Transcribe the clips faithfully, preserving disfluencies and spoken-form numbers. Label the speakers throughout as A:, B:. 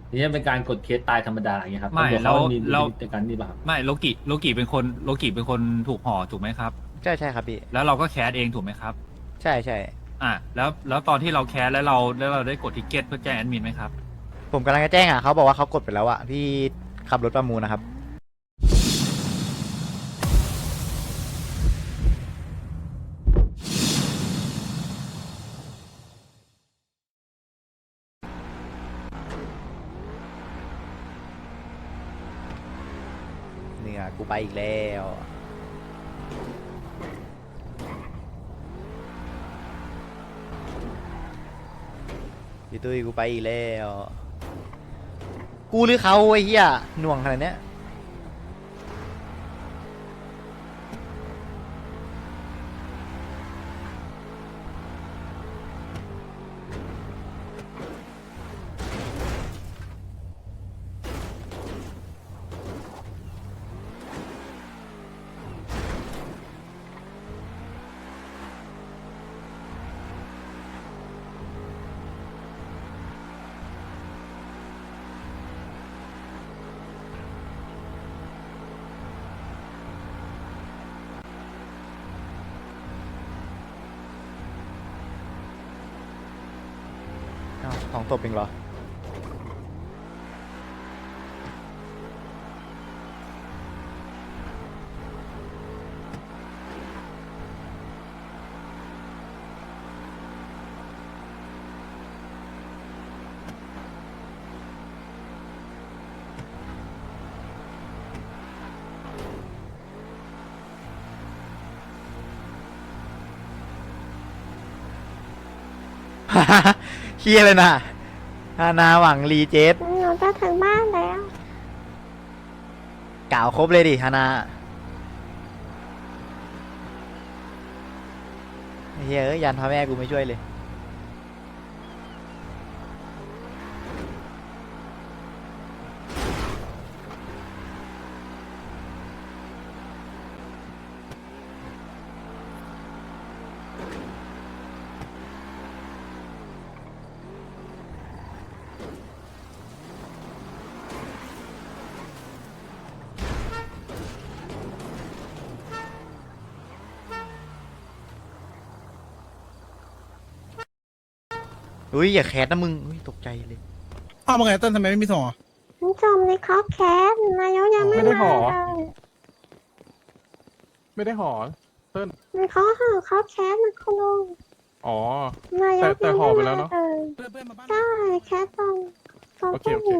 A: นี่เป็นการกดเคสตายธรรมดาอย่างเงี้ยครับ
B: ไม่
A: ตำรวจเขา
B: แล้ว
A: มีดุ
B: แล้ว
A: ลพินิจในการนี่ป่ะครับ
B: ไม่โลกิโลกิเป็นคนโลกิเป็นคนถูกห่อถูกไหมครับ
C: ใช่ใช่ครับพี่
B: แล้วเราก็แคสเองถูกไหมครับ
C: ใช่ใช่
B: อ่ะแล้วแล้วตอนที่เราแคสแล้วเราแล้วเราได้กดทิกเก็ตเพื่อแจ้งแอดมินไหมครับ
C: ผมกำลังจะแจ้งอ่ะเขาบอกว่าเขากดไปแล้วอ่ะพี่ขับรถประมูลนะครับเนี่ยกูไปอีกแล้วพี่ตุ้ยกูไปอีกแล้วกูหรือเขาไอ้เหี้ยหน่วงขนาดเนี้ยอ้าวของตบเองเหรอ เฮียเลยนะฮานาหวังรีเจส
D: หนูจะถึงบ้านแล้ว
C: กล่าวครบเลยดิฮานาเฮียเอ้ยยันพ่อแม่กูไม่ช่วยเลยอุ้ยอย่าแคสนะมึงอุ้ยตกใจเลย
E: อ้าวว่าไงเต้นทำไมไม่มีส่งอ่ะ
D: มันจมในคอกแคสนายกยังไม่
E: ไม่ได้
D: มา
E: ห่อ
D: เลย
E: ไม่ได้ห่อเต้น
D: มันเขาห่อคอกแคสมันคุณลุง
E: อ๋อ
D: นาย
E: แต่
D: ก
E: แต่
D: ยัง
E: ห่อ
D: ไม่
E: ไปแล้ว
D: มา
E: เนอะ
D: เลย
E: เพื่อนเพื่อนมาบ้าน
D: ใช่แคสตรงตรง
E: โอเค
D: ที่
E: โอ
D: อ
E: เค
D: ยู่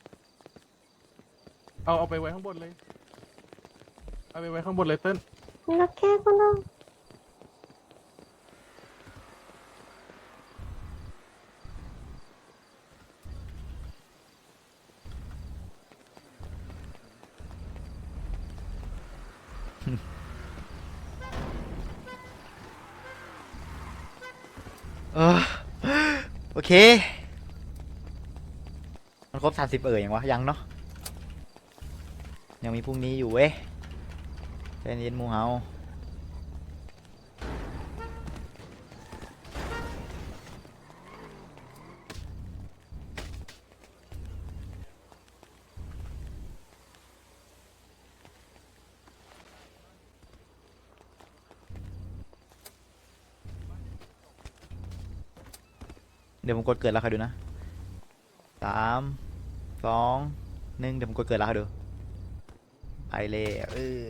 E: เอาเอาไปไว้ข้างบนเลย เอาไปไว้ข้างบนเลยเต้น
D: โอเคคุณลุง
C: เออโอเคมันครบสามสิบเออยังวะยังเนาะยังมีพรุ่งนี้อยู่เว้ยใจเย็นหมูเฮาเดี๋ยวผมกดเกิดแล้วค่ะดูนะสามสองหนึ่งเดี๋ยวผมกดเกิดแล้วค่ะดูไปเลยเออ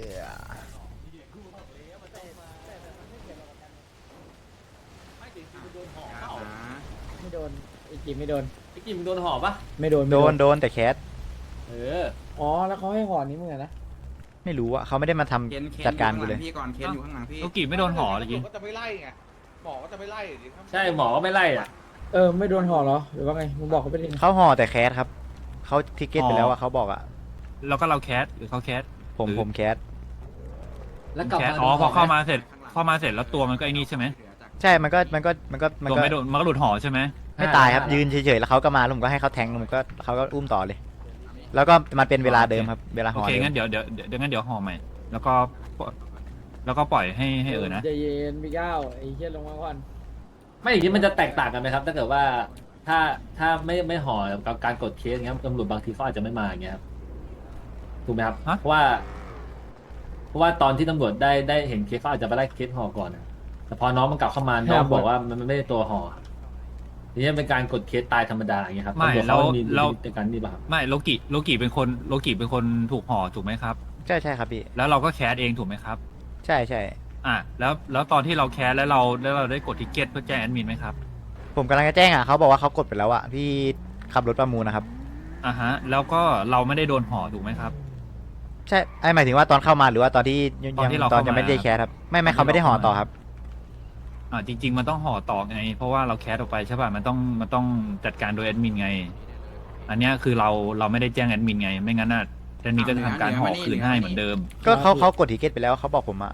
F: ไม่โดนไอ้กิมไม่โดน
A: ไอ้กิมโดนห่อปะ
F: ไม่โดน
C: โด
F: ไม่
C: นโดนแต่แคส
A: เออ
F: อ๋อแล้วเขาให้ห่อนี้มึงอะนะ
C: ไม่รู้อะเขาไม่ได้มาทำ
G: เคนเคน
C: จัดการกูเลย
G: พี่ก่อนเคนอยู่ข้างหลังพี่
B: โลกิไม่โดนห่อเลยยิง
H: ก็จะไม่ไล่ไงหมอก็จะไม่ไล่ดิครับ
A: ใช่หมอก็ไม่ไล่อ่ะ
F: เออไม่โดนห่อเหรอหรือว่าไงมึงบอกเขาไปดิ
C: เขาห่อแต่แคสครับเขาทิกเก็ตไปแล้วอะเขาบอกอะ
B: แล้วก็เราแคสหรือเขาแคส
C: ผม
B: หรือ
C: ผมแคส
A: แล้วกลับ
B: แคส
A: มา
B: อ๋อพอเข้ามา
A: โดนห่ไห
B: เสร็จเข้ามาเสร็จแล้วตัวมันก็ไอ้นี่ใช่ไหม
C: ใช่มันก็มันก็มันก็มัน
B: ตัว
C: ก็
B: ไม่โดนมันก็หลุดห่อใช่ไหม
C: ไม่ตายครับยืนเฉยๆแล้วเขาก็มาแล้วผมก็ให้เขาแทงแล้วผมก็เขาก็อุ้มต่อเลย แล้วก็มันเป็นเวลาเดิมครับเวลา
B: โอ
C: ห่อ
B: เค
C: เดิม
B: งั้นเดี๋ยวเดี๋ยวเดี๋ยวงั้นเดี๋ยวห่อใหม่แล้วก็แล้วก็ปล่อยให้ให้เออนะ
F: ใจเย็นพี่ก้าวไอ้เชี่ยลงมาก่อน
A: ไม่อย่างนี้มันจะแตกต่างกันไหมครับ ถ้าเกิดว่าถ้าถ้าไม่ไม่ห่อกับการกดเคสเงี้ยตำรวจบางทีเขาอาจจะไม่มาอย่างเงี้ยครับถูกไหมครับ
B: ฮะ
A: เพราะว่า เพราะว่าตอนที่ตำรวจได้ได้เห็นเคสเขาอาจจะไปไล่เคสห่อก่อนอะแต่พอน้องมันกลับเข้ามาน้องบอกว่ามันไม่ได้ตัวห่อทีนี้เป็นการกดเคสตายธรรมดาอย่างเงี้ยครับ
B: ไม่
A: ตำรวจ
B: แล้
A: เขา
B: ว
A: มี
B: แล้ว
A: ในการนี่ป่ะครับ
B: ไม่โลกิโลกิเป็นคนโลกิเป็นคนถูกห่อถูกไหมครับ
C: ใช่ใช่ครับพี่
B: แล้วเราก็แคสเองถูกไหมครับ
C: ใช่ใช่
B: อ่ะแล้วแล้วตอนที่เราแคสแล้วเราแล้วเราได้กดทิกเก็ตเพื่อแจ้งแอดมินไหมครับ
C: ผมกำลังจะแจ้งอ่ะเขาบอกว่าเขากดไปแล้วอ่ะพี่ขับรถประมูลนะครับ
B: อ่ะฮะแล้วก็เราไม่ได้โดนห่อถูกไหมครับ
C: ใช่ไอหมายถึงว่าตอนเข้ามาหรือว่าตอนที่ยัง
B: ตอนที่เรา
C: ตอน
B: เข้ามา
C: ยังไม่ได้แคสครับไม่ไม่
B: ตอนที่
C: เขาไม่ได้ห่อ
B: เราเข้ามา
C: ต่อครับ
B: อ่าจริง ๆ มันต้องห่อต่อไง เพราะว่าเราแคสออกไปใช่ป่ะมันต้องมันต้องจัดการโดยแอดมินไง อันเนี้ยคือเราเราไม่ได้แจ้งแอดมินไง ไม่งั้นน่ะแอดมินก็จะทำการห่อคืนให้เหมือนเดิม
C: ก็เขาเขากดทิเก็ตไปแล้วเขาบอกผมอ่ะ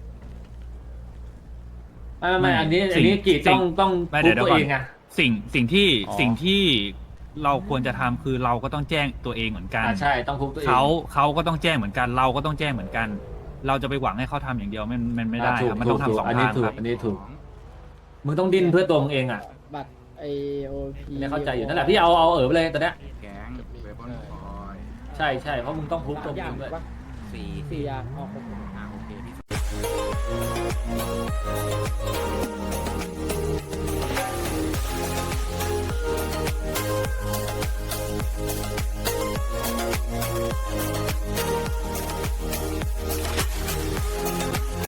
A: ไม่ไม่ไม่อันนี้
B: สิ่
A: อั
B: ง
A: นนี้กี
B: สิ่
A: ต้อง งต้อง
B: ไม่
A: พู
B: เดี๋
A: ด
B: ยว
A: ตัว
B: เดี๋ยวก่อน
A: เองอะ
B: สิ่งสิ่งที่
C: อ๋อ
B: สิ่งที่เราควรจะทำคือเราก็ต้องแจ้งตัวเองเหมือนกัน
A: อ่าใช่ต้องพูดตัวเอง
B: เขาเขาก็ต้องแจ้งเหมือนกัน เราก็ต้องแจ้งเหมือนกัน เราจะไปหวังให้เขาทำอย่างเดียวมันมันไม่ได้
A: อ่าถูก
B: ครับมันต้อง
A: ถูก
B: ทำสอง
A: อันนี้
B: ทาง
A: ถูก
B: ครับ
A: อันนี้ถูก มึงต้องดิ้นเพื่อตัวมึงเองอ่ะ
F: บัตรไอโอพี
A: เนี่ยเข้าใจอยู่นั่นแหละพี่เอาเอาเออไปเลยตอนเนี้ย
G: แก๊งเวบอนคอย
A: ใช่ใช่เพราะมึงต้องพูดตัว
F: อ
A: มึ
F: ย่าง
A: งด้วย
F: ปะ
G: สี่
F: สี่อย่างอ๋อครบ
G: อ่าโอเคพี่